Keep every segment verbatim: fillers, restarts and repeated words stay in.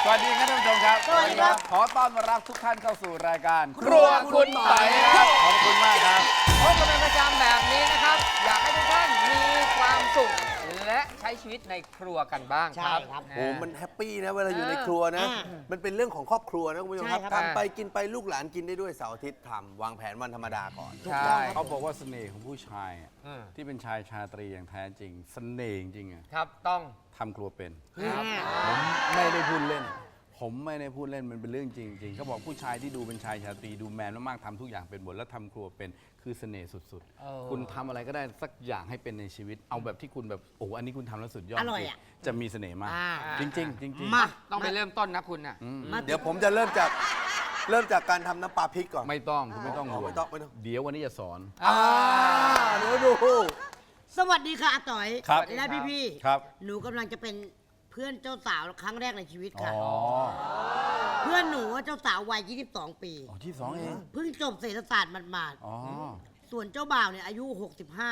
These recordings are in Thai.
สวัสดีครับท่านผู้ชมครับสวัสดีครับขอต้อนรับทุกท่านเข้าสู่รายการครัวคุณไต่ครับขอบคุณมากครับพบกันเป็นประจำแบบนี้นะครับ อยากให้ทุกท่านมีความสุขและใช้ชีวิตในครัวกันบ้างครับใช่ครับโอ้มันแฮปปี้นะเวลาอยู่ในครัวนะอ่ามันเป็นเรื่องของครอบครัวนะคุณผู้ชมครับใช่ครับทำไปกินไปลูกหลานกินได้ด้วยเสาร์อาทิตย์ทำวางแผนวันธรรมดาก่อนใช่เขาบอกว่าเสน่ห์ของผู้ชายอะอืมที่เป็นชายชาตรีอย่างแท้จริงเสน่ห์จริงๆอะครับต้องทำครัวเป็นครับผมไม่ได้พูดเล่น ผมไม่ได้พูดเล่นมันเป็นเรื่องจริงๆเขาบอกผู้ชายที่ดูเป็นชายชาตรีดูแมนมากๆทำทุกอย่างเป็นหมดแล้วทำครัวเป็นคือเสน่ห์สุดเออๆ คุณทำอะไรก็ได้สักอย่างให้เป็นในชีวิต เอาแบบที่คุณแบบโอ้อันนี้คุณทำแล้วสุดยอดอร่อยจริงอะจะมีเสน่ห์มากอ่าจริงๆจริงๆมาต้องไปเริ่มต้นนะคุณน่ะอืมมาเดี๋ยวผมจะเริ่มจากเริ่มจากการทำน้ำปลาพริกก่อนไม่ต้องคุณไม่ต้องอ๋อห่วงไม่ต้องไม่ต้องเดี๋ยววันนี้จะสอนอ่าเดี๋ยวดูสวัสดีค่ะอาต๋อยครับและพี่พี่ๆครับหนูกำลังจะเป็นเพื่อนเจ้าสาวครั้งแรกในชีวิตอ๋ค่ะอเพื่อนหนูว่าเจ้าสาววัยยี่สิบสองปีอ๋อที่สองเองเพิ่งจบเศรษฐศาสตร์หมาดอ๋อๆส่วนเจ้าบ่าวเนี่ยอายุหกสิบห้า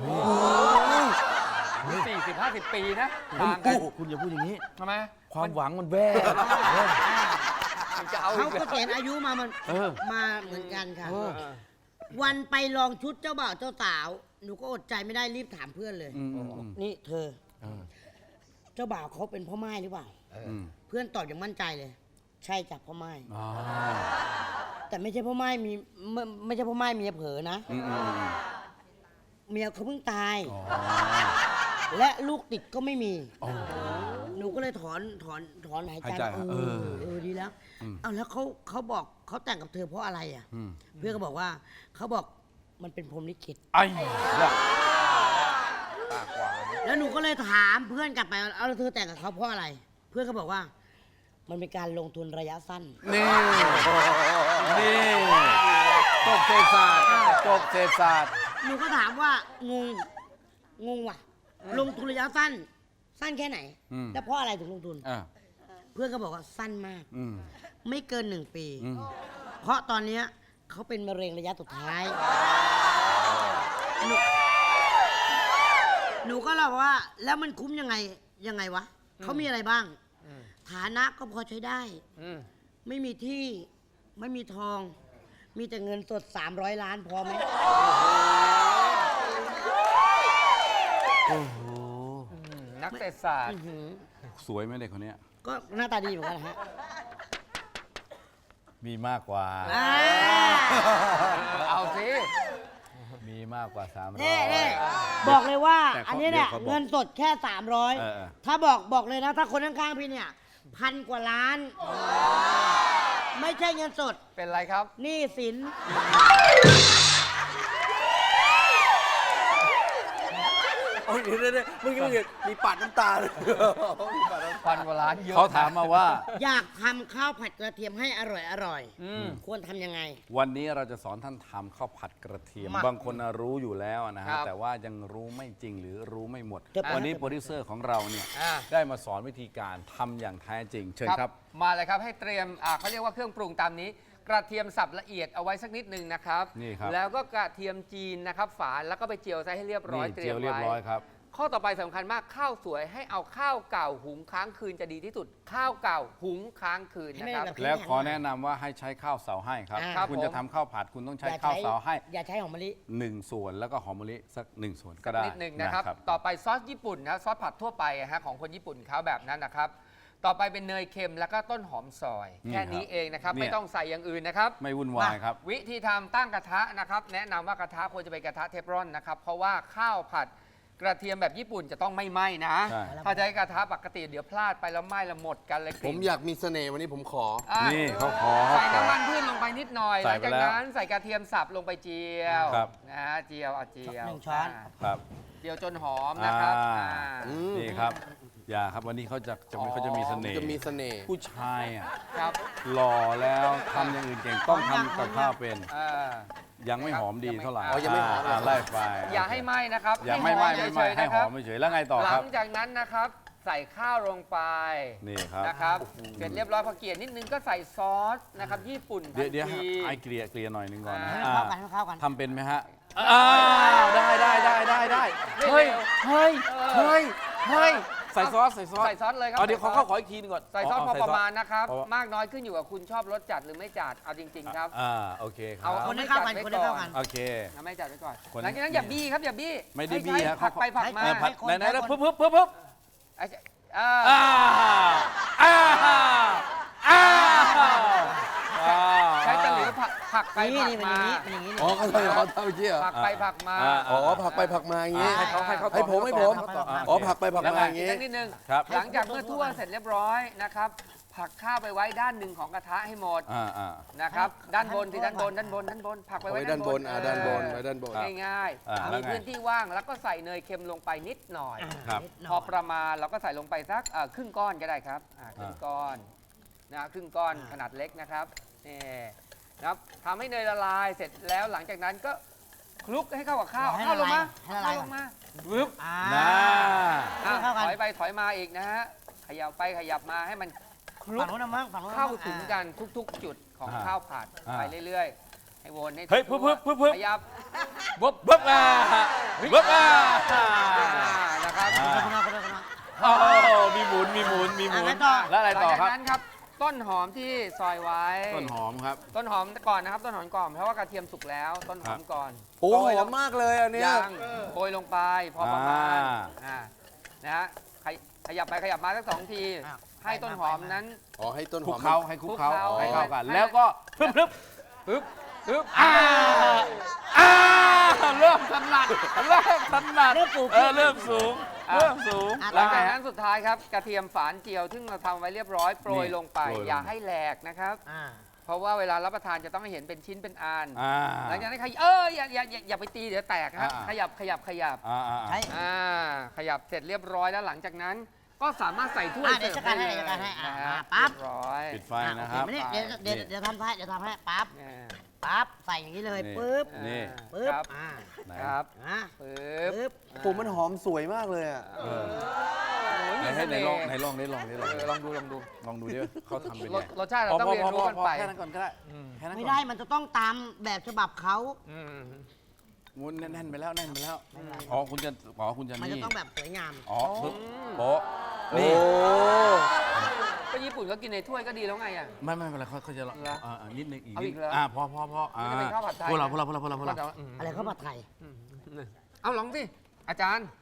สี่สิบห้าสิบปีนะคุณต่างกันคุณอย่าพูดอย่างนี้ทำไมความหวังมันแว่มันจะเอาอีเขากก็แล้วเกณฑ์อายุมามันเออมาเหมือนกันค่ะเออวันไปลองชุดเจ้าบ่าวเจ้าสาว หนูก็อดใจไม่ได้รีบถามเพื่อนเลยอืมอืมอืมนี่เธอเออเจ้าบ่าวเขาเป็นพ่อไม้หรือเปล่าอืมเพื่อนตอบอย่างมั่นใจเลย ใช่จากพ่อไม้อ๋อแต่ไม่ใช่พ่อไม้มีไม่ไม่ใช่พ่อไม้เมียเผลอนะอืมอืมอืมเมียเขาเพิ่งตายอ๋อและลูกติดก็ไม่มีอ๋อหนูก็เลยถอนถอนถอนหายใจหายใจเอเอออเออดีแล้วอืมเอาแล้วเขาเขาบอกเขาแต่งกับเธอเพราะอะไรอ่ะอืมเพื่อนก็บอกว่าเขาบอกมันเป็นพรหมลิขิตไอ้ละปากหวานแล้วหนูก็เลยถามเพื่อนกลับไปเอาแล้วเธอแต่งกับเขาเพราะอะไร เพื่อนก็บอกว่า มันเป็นการลงทุนระยะสั้นนี่ นี่จบเศรษฐศาสตร์จบเศรษฐศาสตร์หนูก็ถามว่างงงงว่ะ ลงทุนระยะสั้น สั้นแค่ไหนอืมแล้วเพราะอะไรถึงลงทุนอ่ะเพื่อนก็บอกว่าสั้นมากอืมไม่เกินหนึ่งปีอืมเพราะตอนเนี้ยเขาเป็นมะเร็งระยะสุดท้าย หนูหนูก็เล่าว่า แล้วมันคุ้มยังไงยังไงวะ เขามีอะไรบ้างอืมฐานะก็พอใช้ได้อืมไม่มีที่ไม่มีทอง มีแต่เงินสด สามร้อย ล้านพอไหมโอ้โหอืมนักเศรษฐศาสตร์อื้อหือสวยไหมเด็กคนเนี้ยก็หน้าตาดีเหมือนกันนะฮะมีมากกว่าอ่าเอาสิมีมากกว่าสามร้อยเน่เน่บอกเลยว่าแต่เขาอันนี้เนี่ยเดี๋ยวเขาบอกเงินสดแค่ สามร้อยเออเออถ้าบอกบอกเลยนะ ถ้าคนข้างๆพี่เนี่ย พันกว่าล้าน ไม่ใช่เงินสดเป็นไรครับหนี้สินโอ้ยเดี๋ยวเดี๋ยวเดี๋ยวเมื่อกี้เมื่อกี้มีปัดน้ำตาเลยมีปัดน้ำตาพันกว่าล้านเยอะเขาถามมาว่าอยากทำข้าวผัดกระเทียมให้อร่อยอร่อยอืมควรทำยังไงวันนี้เราจะสอนท่านทำข้าวผัดกระเทียมมาบางคนน่ะรู้อยู่แล้วนะครัฮะบแต่ว่ายังรู้ไม่จริงหรือรู้ไม่หมดเดี๋ยววันนี้โปรดิวเซอร์ของเราเนี่ยอ่าได้มาสอนวิธีการทำอย่างแท้จริง เชิญครับมาเลยครับให้เตรียมอ่าเขาเรียกว่าเครื่องปรุงตามนี้ กระเทียมสับละเอียดเอาไว้สักนิดนึงนะครับนี่ครับแล้วก็กระเทียมจีนนะครับฝานแล้วก็ไปเจียวซะให้เรียบร้อยนี่เตรีเจียยมวเรียบไว้ร้อยครับข้อต่อไปสำคัญมากข้าวสวยให้เอาข้าวเก่าหุงค้างคืนจะดีที่สุด ข้าวเก่าหุงค้างคืนนะครับให้ไม่แบบแล้วขอแนะนำว่าให้ใช้ข้าวเสาให้ครับอ่าครับคุณผมจะทำข้าวผัดคุณต้องใช้อย่ข้าวเสาให้อย่าใช้หอมมะลิหนึ่งส่วนแล้วก็หอมมะลิสักหนึ่งส่วนก็สักได้นิดหนึ่งนะครับ ต่อไปซอสญี่ปุ่นนะซอสผัดทั่วไปอะฮะของคนญี่ปุ่นเขาแบบนั้นนะครับ ต่อไปเป็นเนยเค็มแล้วก็ต้นหอมซอย แค่นี้เองนะครับ ไม่ต้องใส่อย่างอื่นนะครับไม่วุ่นวายครับวิธีทำตั้งกระทะนะครับ แนะนำว่ากระทะควรจะเป็นกระทะเทฟลอนนะครับ เพราะว่าข้าวผัดกระเทียมแบบญี่ปุ่นจะต้องไม่ไหม้นะใช่ถ้าใช้กระทะปกติเดี๋ยวพลาดไปแล้วไหม้แล้วหมดกันเลยกผลิ่มนอยากมีเสน่ห์วันนี้ผมขออ่ะนี่เขาขอใส่เขาขอน้ำมันพืชลงไปนิดหน่อยหใส่ลังไปจากแล้วนั้นใส่กระเทียมสับลงไปเจียวครับนะฮะเจียวเอาเจียวหนึ่งช้อนาครับเจียวจนหอมนะครับอ่าอ่าอืมนี่ครับ อย่าครับวันนี้เขาจะจะมีเขาจะมีเสน่ห์จะมีเสน่ห์ผู้ชายอ่ะครับหล่อแล้วทำอย่างอื่นเก่งต้องทำกับข้าวเป็นอ่ายังไม่หอมดีเท่าไหร่อ๋อยังไม่หอมาไล่ไปอย่าให้ไหม้นะครับอย่าไม่ไหม้ไม่ไหม้เฉยๆให้นะหคอรับมไม่เฉยแล้วไงต่อหคลัรับงจากนั้นนะครับ ใส่ข้าวลงไปนี่ครับนะครับเสร็จเรียบร้อยพอเกลี่ยนิดนึงก็ใส่ซอสนะครับญี่ปุ่นเดี๋ยวเดี๋ยวทันทีไอเกลี่ยเกลี่ยหน่อยหนึงก่อนนะให้อ่าเข้ากันให้เข้ากันทำเป็นไหมฮะอ้าวได้ได้ได้ได้ได้เฮ้ยเฮ้ยเฮ้ยเฮ้ยใส่ซอสใส่ซอสใส่ซอสเลยครับเอาเดี๋ยวขอเข้าขออีกทีนึงก่อนใส่ซอสพอประมาณนะครับพอมากน้อยขึ้นอยู่กับคุณชอบรสจัดหรือไม่จัดเอาจริงๆครับอ่าโอเคครัเอาบคนให้เข้ากันคนให้เข้ากันโอเคเอาไม่จัดไว้ก่อนคนหลังจากนั้นอย่าบี้ครับอย่าบี้ไม่ได้บี้ให้ฮะผักไปผักมาให้ผัดคนไหนๆแล้วให้คนปึ๊บปึ๊บปึ๊บปึ๊บไอ้อ่าอ่าอ่าอ่าอ่าใช้ตะหลิวผักผักไปนี่ผักนี่มันอมาย่างนี้มันอย่างนี้อ๋อเขาทำเขาทำเมื่อกี้เหรอผักไปผักมาอ่าอ๋อผักไปผักมาอย่างงี้ให้เขาให้เขาให้ผมให้ผมต่ออ่าอ๋อผักไปผักมาอย่างอีกงี้สักนิดนึงครับหลังจากเมื่อทั่วเสร็จเรียบร้อยนะครับผักข้าวไปไว้ด้านหนึ่งของกระทะให้หมดอ่าอ่านะครับด้านบนที่ด้านบนด้านบนด้านบนผักไปเอาไว้ไว้ด้านบนอ่าด้านบนไว้ด้านบนง่ายอ่าๆแล้มีวไงพื้นที่ว่างแล้วก็ใส่เนยเค็มลงไปนิดหน่อยครับนิดหน่พยอประมาณเราก็ใส่ลงไปสักเอ่อครึ่งก้อนก็ได้ครับอ่าครึ่งก้อนนะครึ่งก้อนขนาดเล็กนะครับนี่นะครับทำให้เนยละลายเสร็จแล้วหลังจากนั้นก็คลุกให้เข้ากับข้าวเอาให้ข้าวลละงลายมาให้ละลายข้าวลก่อนงมาปึ๊บอ่าน่าอ่ะเข้ากันถอยไปถอยมาอีกนะฮะขยับไปขยับมาให้มันคลุฝั่กงนู้นนะมั้งฝั่งนู้นนะเข้ามั้งถึงกันทุกๆ จุดของอ่าข้าวผัดอ่าไปเรื่อยๆ ให้วนให้เฮ้ยทั่วปึ๊บปึ๊บปึ๊บปึ๊บขยับปึ๊บปึ๊บอ่าปึ๊บอ่านะครับอ่าคนละคนละคนละโอ้มีหมุนมีหมุนมีหมุนอ่ะแล้วต่อแล้วอะไรต่อหลังคจากรับนั้นครับต้นหอมที่ซอยไว้ต้นหอมครับต้นหอมก่อนนะครับต้นหอมก่อนเพราะว่ากระเทียมสุกแล้ว ต้นหอมก่อนโอ้โรหยลอง มมากเลยอันเนี้ยยางโรยลงไปพอประมาณอ่าอ่านะฮะขยขยับไปขยับมาสักสองทีอ้าวให้ต้นหอมนั้นอ๋อให้ต้นหคลุอก มเขาให้คลุกเขาคลุกเคล้าให้เข้ากันให้แล้วก็ปึ๊บปึ๊บปึ๊บปึ๊บอ่าอ่าเริ่มถนัดเริ่มถนัดเริ่มปลูกเออเริ่มสูงเริ่มสูงอ่ะหลังจากนั้นสุดท้ายครับกระเทียมฝานเจียวซึ่งเราทำไว้เรียบร้อยโปรยนี่ลงไปโปรยลงอย่าให้แหลกนะครับอ่าเพราะว่าเวลารับประทานจะต้องให้เห็นเป็นชิ้นเป็นอันอ่าหลังจากนั้นขยเอออย่าอย่าอย่าอย่าไปตีเดี๋ยวแตกครับอ่าขยับขยับขยับอ่าอ่าใช่อ่าขยับเสร็จเรียบร้อยแล้วหลังจากนั้น ก็สามารถใส่ถ้วยอ่ะเดี๋ยวเสิร์ฟจัดการให้ได้เลยจัดการให้อ่ะนะฮะอ่ะปั๊บเรียบร้อยปิดไฟอ่านะครับโอเคไม่ได้เดี๋ยวเดี๋ยวเดี๋ยวทำให้เดี๋ยวทำให้ปั๊บอ่าปั๊บใส่อย่างนี้เลยนี่ปึ๊บนี่ปึ๊บครับอ่าไหนครับอ่าปึ๊บปึ๊บผมมันหอมสวยมากเลยอ่ะเออโอ้ยไหนมีให้เสไหนน่ลองห์ไหนลองได้ลองได้ลองเออลองดูลองดูลองดูดิว่าเขาทำเป็นรไงสรสชาติเราต้องเรียนรู้กันไปแค่นั้นก่อนก็ได้อืมแค่นั้นไม่ก่อนได้มันจะต้องตามแบบฉบับเขาอืมมุนแน่นๆไปแล้วแน่นไปแล้วอ๋อคุณจะอ๋อคุณจะมันจะนี่ต้องแบบสวยงามอ๋อปึ๊บโป๊ะโอ้นี่ก็ญี่ปุ่นก็กินในถ้วยก็ดีแล้วไงอ่ะไม่ไม่เป็นไรเขาเขาจะลองเหรออ่าอ่านิดนึงอีกเอานิอีดกเหรออ่าพอพอพออ่ามันจะเป็นข้าวผัดไทยพวกเราพวกเราพวกเราพวกเราพวกเราอะไรเขาผัดไทยอืมเอาลองสิอาจารย์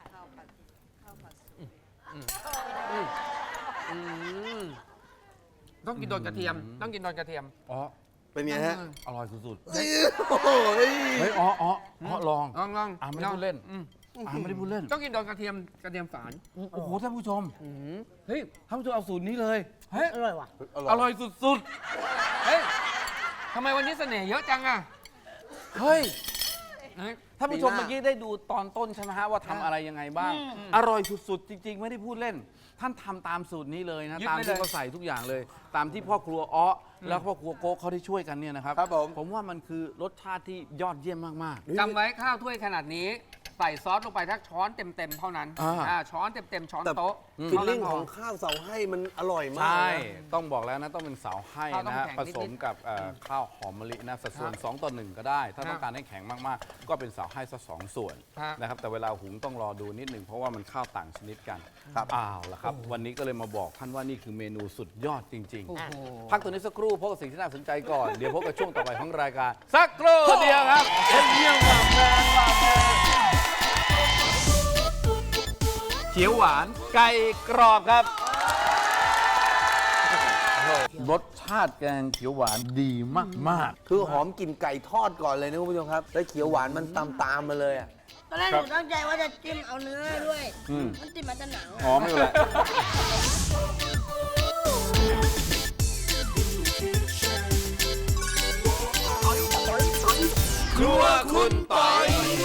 อืมอืมอืมต้องกินโดนกระเทียม ต้องกินโดนกระเทียมอ๋อเป็นไงฮะอร่อยสุดโอ้โหๆเฮ้ยอ๋ออ๋ออ๋อลองลองลองอ่าไม่ได้พูดเล่นอืมอ่าไม่ได้พูดเล่นต้องกินโดนกระเทียมกระเทียมฝานโอ้โหท่านผู้ชมอืมเฮ้ยท่านผู้ชมเอาสูตรนี้เลยเฮ้ยอร่อยว่ะอร่อยสุดเฮ้ยทำไมวันนี้เสน่ห์เยอะจังอ่ะๆเฮ้ยเฮ้ยท่านผู้ชมเมื่อกี้ได้ดูตอนต้นใช่ไหมฮะว่าทำอะไรยังไงบ้าง อร่อยสุดๆ จริง ๆ ไม่ได้พูดเล่น ท่านทำตามสูตรนี้เลยนะยึดตามไว้ที่เลยเขาใส่ทุกอย่างเลย ตามที่พ่อครัวอ้อแล้วพ่อครัวโก๊กเขาได้ช่วยกันเนี่ยนะครับครับผมผมว่ามันคือรสชาติที่ยอดเยี่ยมมากจำไว้ข้าวถ้วยขนาดนี้ ใส่ซอสลงไปทักช้อนเต็มๆเท่านั้นอ่าอ่าช้อนเต็มๆช้อนแต่โต๊ะฟิลเท่าลิ่นั้งนพของข้าวเสาให้มันอร่อยๆมากใช่นะต้องบอกแล้วนะต้องเป็นเสาให้ข้าวต้นะองฮะแข็งผนิดๆสมกับเอ่อข้าวหอมมะลินะสัดส่วนสองต่อหนึ่งก็ได้ ถ้าครับต้องการให้แข็งมากๆ ก็เป็นเสาให้สักสองส่วนครับนะครับแต่เวลาหุงต้องรอดูนิดหนึ่งเพราะว่ามันข้าวต่างชนิดกันครับอ้าวละครับ วันนี้ก็เลยมาบอกท่านว่านี่คือเมนูสุดยอดจริงโอ้ๆโหพักตัวนี้สักครู่พบกับสิ่งที่น่าสนใจก่อน เดี๋ยวพบกับช่วงต่อไปของรายการ สักครู่เดียวครับเยี่ยมมากแมนมากแมนเขียวหวานไก่กรอบครับ รสชาติแกงเขียวหวานดีมากคือหอมกลิ่นไก่ทอดก่อนเลยนะคุณผู้ชมครับ แล้วเขียวหวานมันตามตามๆมาเลยอ่ะตอนแรกหนูตั้งใจว่าจะจิ้มเอาเนื้อด้วยอืมมันจิ้มมันจะหนังๆหอมไม่เป็นไรครัวคุณปอย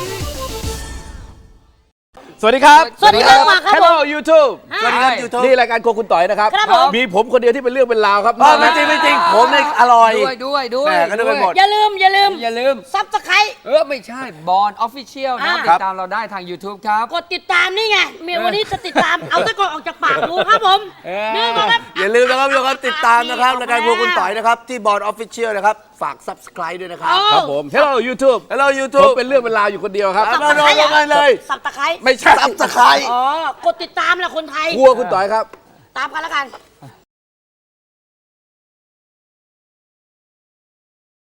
สวัสดีครับสวัสดีครับครับผม Hello YouTube ฮะสวัสดีครับ YouTube นี่รายการโครัวคุณต่อยนะครับครับผมมีผมคนเดียวที่เป็นเรื่องเป็นราวครับอ๋อไม่จริงไม่จริงผมเนี่ยอร่อยด้วยด้วยด้วยแหม่ก็นึกไปหมดอย่าลืมอย่าลืมอย่าลืมซับสไครต์เออ ไม่ใช่บอลออฟฟิเชียลนะอ่าติดตามเราได้ทาง YouTube ครับกดติดตามนี่ไงเมียวันนี้จะติดตาม เอาตะกอนออกจากปากรู้ครับผมเออนี่นะครับอย่าลืมนะครับทุกคนติดตามนะครับรายการพวกคุณต่อยนะครับที่บอร์ดออฟฟิเชียลนะครับฝาก Subscribe ด้วยนะครับครับผม Hello YouTube Hello ผม YouTube เป็นเรื่องเป็นราวอยู่คนเดียวครับเอามาลงกันเลยสับตะไคร้ไม่ใช่ซับสไครต์อ๋อ กดติดตามแหละคนไทยครัวคุณต่อยครับตามกันแล้วกัน